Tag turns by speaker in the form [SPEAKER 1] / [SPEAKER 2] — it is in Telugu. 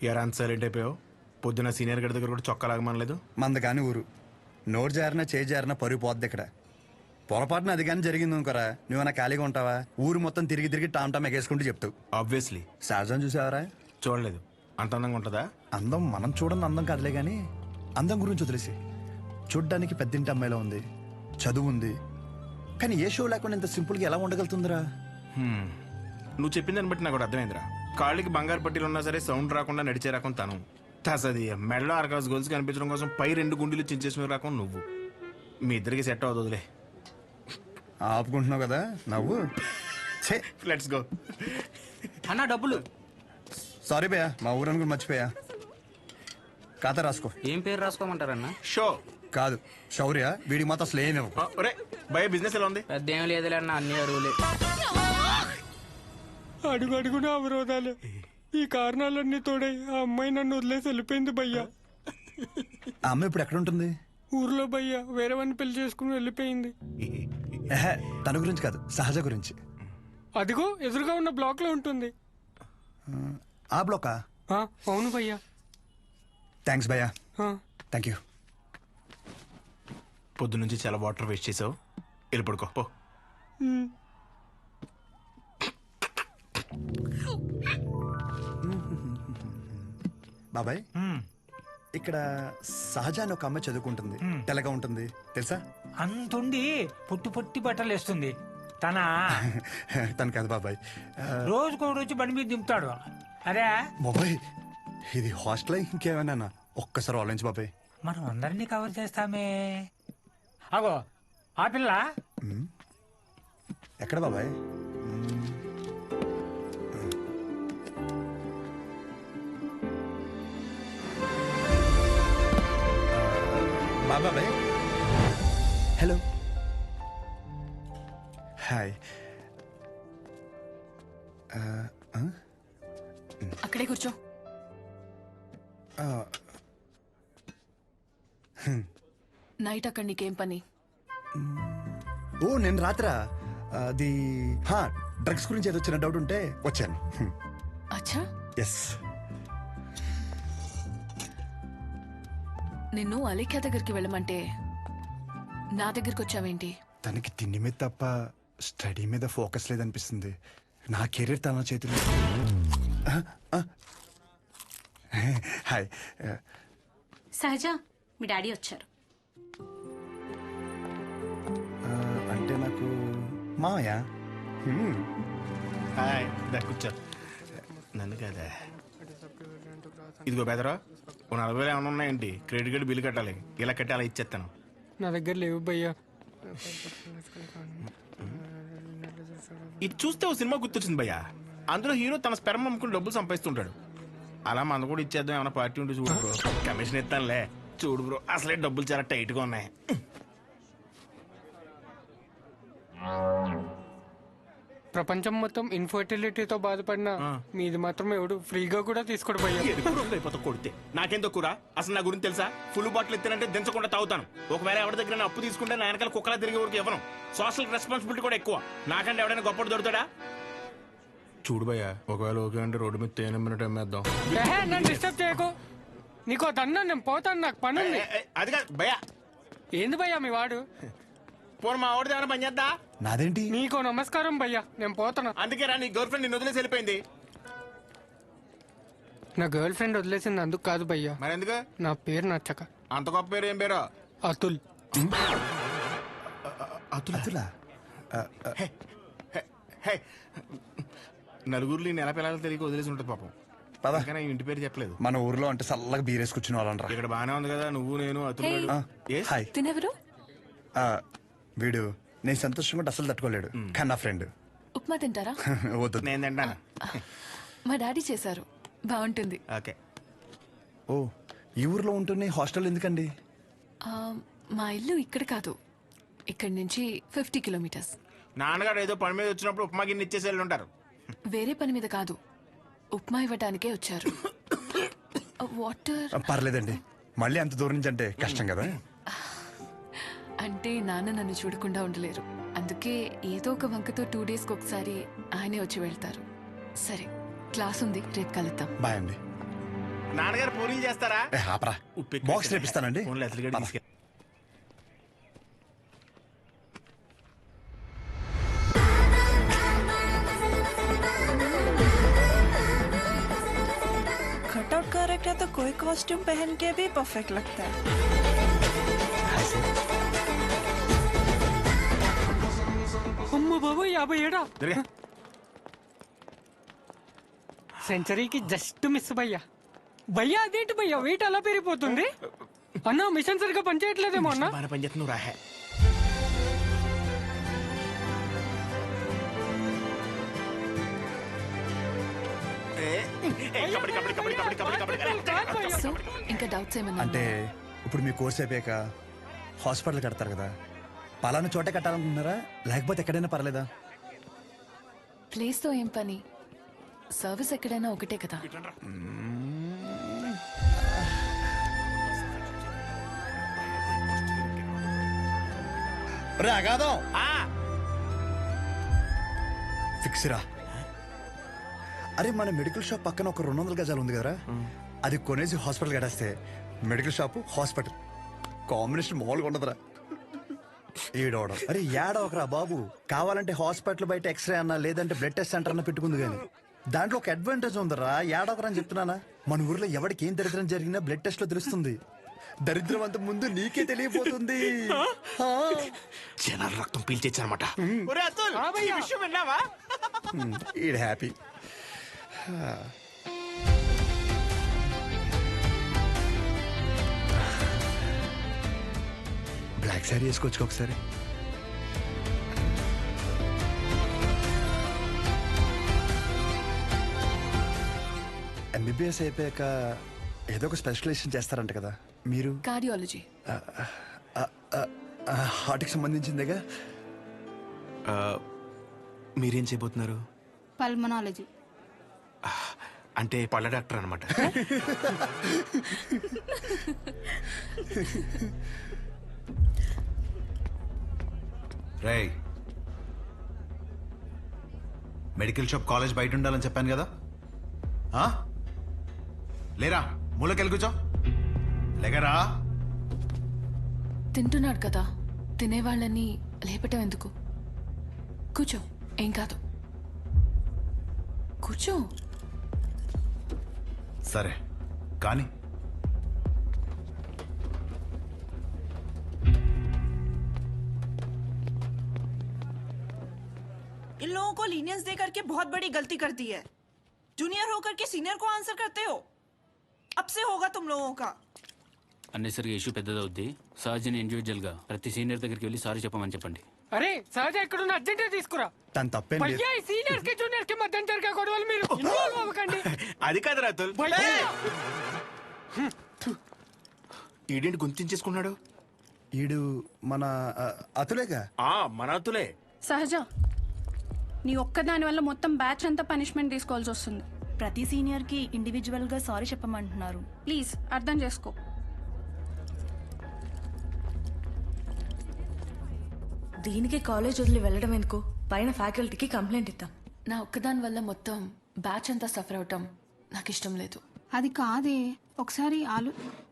[SPEAKER 1] ఎరా అంత సైలెంట్ అయిపోయావు? పొద్దున సీనియర్ గడి దగ్గర కూడా చొక్కా లాగమనలేదు.
[SPEAKER 2] మంద కాని ఊరు నోరు జారినా చేయి జారినా పరుగు పోద్ది ఇక్కడ. పొరపాటున అది కానీ జరిగింది అనుకోరా, నువ్వన్నా ఖాళీగా ఉంటావా? ఊరు మొత్తం తిరిగి తిరిగి టామ్ ఎగేసుకుంటూ చెప్తావు.
[SPEAKER 1] ఆబ్వియస్లీ.
[SPEAKER 2] సహజం చూసావరా?
[SPEAKER 1] చూడలేదు. అంత అందంగా ఉంటుందా?
[SPEAKER 2] అందం మనం చూడని అందం కాదులే కానీ అందం గురించి వదిలేసి, చూడ్డానికి పెద్దింటి అమ్మాయిలో ఉంది, చదువు ఉంది, కానీ ఏ షో లేకుండా ఇంత సింపుల్గా ఎలా ఉండగలుగుతుందిరా?
[SPEAKER 1] నువ్వు చెప్పిన దాన్ని బట్టి నాకు ఒకటి అర్థమైందిరా. కాళ్ళకి బంగారు పట్టీలు ఉన్నా సరే సౌండ్ రాకుండా నడిచే రకం తను. తసది మెడలో ఆర్కాస్ గోల్స్ కనిపించడం కోసం పై 2 గుండెలు చించేసిన రకం నువ్వు. మీ ఇద్దరికి సెట్ అవుతుందిలే.
[SPEAKER 2] ఆపుకుంటున్నావు కదా నవ్వు.
[SPEAKER 1] Let's go.
[SPEAKER 3] అన్న డబ్బులు.
[SPEAKER 2] సారీ భయ్యా, మా ఊరని కూడా మర్చిపోయా. ఖాతా రాసుకో.
[SPEAKER 3] ఏం పేరు రాసుకోమంటారన్న?
[SPEAKER 1] షో
[SPEAKER 2] కాదు శౌర్య, వీడికి మాత్రం అసలు ఏమి
[SPEAKER 1] భయ బిజినెస్ ఎలా ఉంది?
[SPEAKER 3] పెద్ద ఏం లేదులే అన్న, అన్ని అరువులే.
[SPEAKER 4] అడుగు అడుగున అవరోధాలే. ఈ కారణాలన్నీ తోడై ఆ అమ్మాయి నన్ను వదిలేసి వెళ్ళిపోయింది భయ్యా.
[SPEAKER 2] ఆ అమ్మాయి ఇప్పుడు ఎక్కడ ఉంటుంది?
[SPEAKER 4] ఊర్లో భయ్యా వేరే వాడిని పెళ్లి చేసుకుని వెళ్ళిపోయింది.
[SPEAKER 2] తన గురించి కాదు, సహజ గురించి.
[SPEAKER 4] అదిగో ఎదురుగా ఉన్న బ్లాక్ లో ఉంటుంది.
[SPEAKER 2] ఆ బ్లాకా?
[SPEAKER 4] అవును భయ్యా.
[SPEAKER 2] థ్యాంక్స్ భయ్యా. Thank you.
[SPEAKER 1] పొద్దు నుంచి చాలా వాటర్ వేస్ట్ చేసావు, వెళ్ళి పడుకో పో.
[SPEAKER 2] బాబాయ్, ఇక్కడ సహజ అని ఒక అమ్మాయి చదువుకుంటుంది, తెల్లగా ఉంటుంది తెలుసా?
[SPEAKER 5] అంతుండి పుట్టి పుట్టి బట్టలు వేస్తుంది.
[SPEAKER 2] తను కాదు బాబాయ్,
[SPEAKER 5] రోజుకో రోజు బండి మీద దింపుతాడు. అరే
[SPEAKER 2] బాబాయ్ ఇది హాస్టల్ ఇంకేమైనా? ఒక్కసారి ఆలోచించు బాబాయ్.
[SPEAKER 5] మనం అందరినీ కవర్ చేస్తామే. అగో ఆ పిల్ల
[SPEAKER 2] ఎక్కడ బాబాయ్? బాబాయ్ హలో. హాయ్.
[SPEAKER 6] అక్కడే కూర్చో. నైట్ అక్కడ నీకేం పని?
[SPEAKER 2] ఓ నేను రాత్రా అది డ్రగ్స్ గురించి ఏదో చిన్న డౌట్ ఉంటే వచ్చాను.
[SPEAKER 6] అచ్చా.
[SPEAKER 2] ఎస్.
[SPEAKER 6] నిన్ను అలేఖ్య దగ్గరికి వెళ్ళమంటే నా దగ్గరికి వచ్చావేంటి?
[SPEAKER 2] తనకి తిండి మీద తప్ప స్టడీ మీద ఫోకస్ లేదనిపిస్తుంది. నా కెరీర్ తన చేతిలో. హాయ్.
[SPEAKER 7] సహజ, మీ డాడీ వచ్చారు.
[SPEAKER 2] అంటే నాకు మామయ్య.
[SPEAKER 1] హాయ్, కూర్చో. నన్ను కదా. ఇదిగో బెదరా, 40,000 ఏమైనా ఉన్నాయండి? క్రెడిట్ కార్డు బిల్లు కట్టాలి. ఇలా కట్టి అలా ఇచ్చేస్తాను.
[SPEAKER 4] నా దగ్గర లేవు భయ్యా.
[SPEAKER 1] ఇది చూస్తే ఓ సినిమా గుర్తొచ్చింది భయ్యా. అందులో హీరో తన స్పెర్మ్ అమ్ముకుని డబ్బులు సంపాదిస్తుంటాడు. అలా మన కూడా ఇచ్చేద్దాం, ఏమైనా పార్టీ ఉంటే చూడు బ్రో. కమిషన్ ఇస్తానులే. చూడు బ్రో, అసలే డబ్బులు చాలా టైట్గా ఉన్నాయి.
[SPEAKER 4] ప్రపంచం మొత్తం ఇన్ఫర్టిలిటీతో బాధపడినా మీది మాత్రం ఎవడు ఫ్రీగా కూడా తీసుకోడు భయ్యా.
[SPEAKER 1] అయిపోతా కొడితే నాకేం తక్కువ? అసలు నా గురించి తెలుసా? ఫుల్ బాటిల్ ఎత్తానంటే దించకుండా తాగుతాను. ఒకవేళ ఎవరి దగ్గర అప్పు తీసుకుంటే నా వెనకాల కుక్కలా తిరిగే వరకు ఇవ్వను. సోషల్ రెస్పాన్సిబిలిటీ కూడా ఎక్కువ. నాకంటే ఎవడైనా గొప్పడు దొరుకుతాడా? చూడు భయ్యా, ఒకవేళ ఓకే అంటే రోడ్డు మీద తేనె మినిట్ అమ్మేద్దాం.
[SPEAKER 4] నన్ను డిస్టర్బ్ చేయకు. నీకో దన్నా, నేను పోతాను, నాకు పని ఉంది.
[SPEAKER 1] అది కాదు భయ్యా.
[SPEAKER 4] ఏంది భయ్యా మీ వాడు?
[SPEAKER 1] పోను మా వాడిది ఏమైనా పని చేద్దా?
[SPEAKER 2] నాదేంటి?
[SPEAKER 4] నీకో నమస్కారం భయ్యా, నేను పోతాను.
[SPEAKER 1] అందుకే రా, నీ గర్ల్ ఫ్రెండ్ నిన్ను వదిలేసి వెళ్ళిపోయింది.
[SPEAKER 4] నా గర్ల్ ఫ్రెండ్ వదిలేసింది అందుకు కాదు భయ్యా.
[SPEAKER 1] మరి ఎందుకు?
[SPEAKER 4] నా పేరు నచ్చక.
[SPEAKER 1] అంత గొప్ప పేరు ఏం పేరు?
[SPEAKER 4] అతుల్.
[SPEAKER 2] అతులా?
[SPEAKER 1] నలుగురిలో నెల పిల్లలు తెలియక వదిలేసి ఉంటుంది పాపం. పదకనే ఇంటి పేరు చెప్పలేదు.
[SPEAKER 2] మన ఊర్లో అంటే చల్లగా బీరేసుకొచ్చిన వాళ్ళనరా.
[SPEAKER 1] ఇక్కడ బానే ఉంది కదా, నువ్వు నేను అతుల్.
[SPEAKER 2] హాయ్.
[SPEAKER 6] తినెవరు?
[SPEAKER 2] వీడు నేను సంతోషంగా ఉంటే అసలు తట్టుకోలేడు, కానీ నా ఫ్రెండ్.
[SPEAKER 6] ఉప్మా తింటారా?
[SPEAKER 2] వద్దు.
[SPEAKER 1] నేను తింటాను.
[SPEAKER 6] మా డాడీ చేశారు, బాగుంటుంది.
[SPEAKER 1] ఓకే.
[SPEAKER 2] ఓ ఈ ఊర్లో ఉంటున్నాయి, హాస్టల్ ఎందుకండి?
[SPEAKER 6] మా ఇల్లు ఇక్కడ కాదు, ఇక్కడి నుంచి 50 కిలోమీటర్స్.
[SPEAKER 1] నాన్నగారు ఏదో పని మీద వచ్చినప్పుడు ఉప్మా గిన్నె ఇచ్చేసి వెళ్ళి ఉంటారు.
[SPEAKER 6] వేరే పని మీద కాదు, ఉప్మా ఇవ్వడానికే వచ్చారు. వాటర్
[SPEAKER 2] పర్లేదండి, మళ్ళీ అంత దూరం నుంచి అంటే కష్టం కదా.
[SPEAKER 6] అంటే నాన్న నన్ను చూడకుండా ఉండలేరు, అందుకే ఏదో ఒక వంకతో 2 డేస్కి ఒకసారి ఆయనే వచ్చి వెళ్తారు. సరే, క్లాస్ ఉంది, రేపు కలుద్దాం.
[SPEAKER 2] బాయ్ అండి.
[SPEAKER 1] నాన్నగారు పూరీలు చేస్తారా?
[SPEAKER 2] ఏ, ఆపరా. బాక్స్ రేపిస్తానండి.
[SPEAKER 1] ఫోన్లో అసలు గడి తీసుకెళ్ళి.
[SPEAKER 8] कटआउट करेक्ट है तो कोई कॉस्ट्यूम पहन के भी परफेक्ट लगता है।
[SPEAKER 4] అమ్మ బాబు 57
[SPEAKER 1] జరగా.
[SPEAKER 4] సెంచరీకి జస్ట్ మిస్ భయ్యా. భయ్యా అదేంటి భయ్యా వెయిట్ అలా పెరిగిపోతుంది? అన్న మిషన్ సరిగ్గా పనిచేయట్లేదేమో అన్న.
[SPEAKER 1] బాగా పని చేస్తున్నావు రాహే. కబడ్డీ కబడ్డీ కబడ్డీ కబడ్డీ కబడ్డీ కబడ్డీ.
[SPEAKER 6] సో ఇంకా డౌట్స్ ఏమన్నా
[SPEAKER 2] అంటే ఇప్పుడు మీ కోర్స్ అయిపోయాక హాస్పిటల్ కడతారు కదా, పలానా చోటే కట్టాలనుకుంటున్నారా లేకపోతే ఎక్కడైనా పర్లేదా?
[SPEAKER 6] ప్లేస్ తో ఏం పని, సర్వీస్ ఎక్కడైనా ఒకటే కదా.
[SPEAKER 2] రే అగాదం
[SPEAKER 1] ఆ,
[SPEAKER 2] ఫిక్స్ రా. అరే మన మెడికల్ షాప్ పక్కన ఒక 200 గజాలు ఉంది కదరా, అది కొనేసి హాస్పిటల్ కట్టేస్తే మెడికల్ షాప్ హాస్పిటల్ కాంబినేషన్ మామూలుగా ఉండదురా. ఏడవడం అరే ఏడవకరా బాబు, కావాలంటే హాస్పిటల్ బయట ఎక్స్రే అన్నా లేదంటే బ్లడ్ టెస్ట్ సెంటర్ అన్న పెట్టుకుంది కానీ దాంట్లో ఒక అడ్వాంటేజ్ ఉందరా. ఏడవకరా అని చెప్తున్నానా. మన ఊర్లో ఎవరికి ఏం దరిద్రం జరిగినా బ్లడ్ టెస్ట్ లో తెలుస్తుంది. దరిద్రం అంత ముందు నీకే తెలియపోతుంది.
[SPEAKER 1] జనాలు రక్తం పీల్చేచ్చనమాట. ఒరే అతుల్, ఈ విషయం విన్నావా?
[SPEAKER 2] ఈడ్ హ్యాపీ. బ్లాక్ శారీ వేసుకోవచ్చు ఒకసారి. ఎంబీబీఎస్ అయిపోయాక ఏదో ఒక స్పెషలైజేషన్ చేస్తారంట కదా మీరు?
[SPEAKER 6] కార్డియాలజీ.
[SPEAKER 2] హార్ట్కి సంబంధించిందేగా.
[SPEAKER 1] మీరేం చేయబోతున్నారు?
[SPEAKER 7] పల్మనాలజీ.
[SPEAKER 1] అంటే పళ్ళ డాక్టర్ అనమాట.
[SPEAKER 9] రేయ్, మెడికల్ షాప్ కాలేజ్ బయట ఉండాలని చెప్పాను కదా, ఆ? లేరా మూలకెళ్ళి కూర్చో. లేకరా.
[SPEAKER 6] తింటున్నాడు కదా, తినేవాళ్ళని లేపటం ఎందుకు? కూర్చో, ఏం కాదు. కూర్చో.
[SPEAKER 9] సరే కానీ
[SPEAKER 8] इन लोगों को लीनियंस दे करके बहुत बड़ी गलती कर दी है। जूनियर होकर के सीनियर को आंसर करते हो। अब से होगा तुम लोगों का।
[SPEAKER 3] అన్నెసరిగా ఇష్యూ పెద్దదవుద్ది. సహజని ఇండివిజువల్ గా ప్రతి సీనియర్ దగ్గరికి వెళ్ళి సారీ చెప్పమని చెప్పండి.
[SPEAKER 4] అరే సహజ ఎక్కడున్న అర్జెంట్ తీసుకురా.
[SPEAKER 2] తను తప్పేం లేదు.
[SPEAKER 4] భయ్యా సీనియర్స్ కి జూనియర్స్ కి మధ్య జరిగే గొడవలు మీరు ఇన్వాల్వ్ అవ్వకండి.
[SPEAKER 1] అది కాదు అతుల్.
[SPEAKER 4] భయ్యా
[SPEAKER 1] ఈడేంటి గుంతించేసుకున్నాడు?
[SPEAKER 2] ఈడు మన అతులేగా.
[SPEAKER 1] మన అతులే.
[SPEAKER 7] సహజ, నీ ఒక్కదాని వల్ల మొత్తం బ్యాచ్ అంతా పనిష్మెంట్ తీసుకోవాల్సి వస్తుంది.
[SPEAKER 8] ప్రతి సీనియర్ కి ఇండివిజువల్ గా సారీ చెప్పమంటున్నారు.
[SPEAKER 7] ప్లీజ్ అర్థం చేసుకో.
[SPEAKER 10] దీనికి కాలేజ్ వదిలి వెళ్ళడం ఎందుకు? పైన ఫ్యాకల్టీకి కంప్లైంట్ ఇద్దాం.
[SPEAKER 6] నా ఒక్కదాని వల్ల మొత్తం బ్యాచ్ అంతా సఫర్ అవటం నాకు ఇష్టం లేదు.
[SPEAKER 7] అది కాదే, ఒకసారి